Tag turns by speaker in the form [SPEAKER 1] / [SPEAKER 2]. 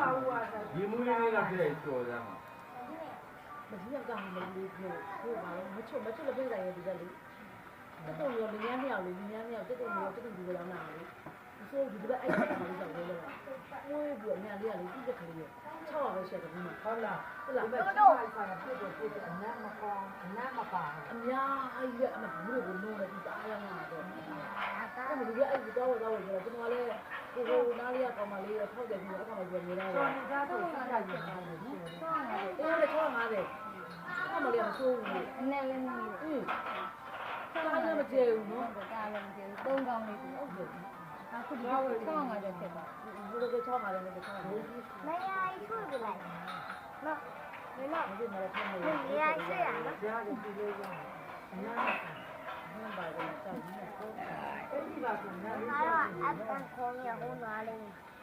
[SPEAKER 1] ဒီမူရင်းလေးကပြည့်ကျော်သားမှာ
[SPEAKER 2] မကြီးကကောင်မလေးကိုပါတော့မချွတ်လည်းပြင်ဆိုင်ရဒီကလေးတက်တုံရောလင်းရမြောက်လေးလင်းရမြောက်တက်တုံရောတက်တုံဒီလိုလာတာလေအစိုးဒီကအဲ့ဒါကလေးကြောက်လို့လဲဝေးပြီးအများလေးကလေးပြည့်ကလေး6ပဲရှိတယ်ဒီမှာဟုတ်လားဟုတ်လားတော့ပြည့်အနမ်းမကောင်းအနမ်းမပါအများအဲ့ဒီအမဘူးကိုလုံးလိုက်ပြီးအားရမှာတော့အဲ့ဒီကအဲ့ဒီတော့ဆိုတော့ကျွန်တော်လည်းကိုနားလေးကကောင်မလေးထောက်တယ်ပြီးတော့အခါမှပြောနေတာလေဒါတော့စားတာကြီးတယ်အဲ့ဒါ650အမလေးမဆိုးဘူးအနဲ့လည်းမင်းကားလည်းမကျေဘူးနော်ကားလည်းမကျေဘူး3ကောင်းလေးကိုဟုတ်တယ်အခုဒီတော့650ဖြစ်သွားဘူးလို့650လည်းမ650
[SPEAKER 3] 没呀，一处不来。那，没了。
[SPEAKER 2] မဖြစ်မလဲထားနေ
[SPEAKER 3] တယ်။တရားရှိရနော်
[SPEAKER 2] ။တရားကြီးပြီးလို့ရတယ်။အများကြီးပါတော့တောက်ကြီးနဲ့ပေါ့။အဲ့ဒီပါကနားလေး
[SPEAKER 3] ။အားတော့အပန်ခေါင်းရဟိုနားလေး။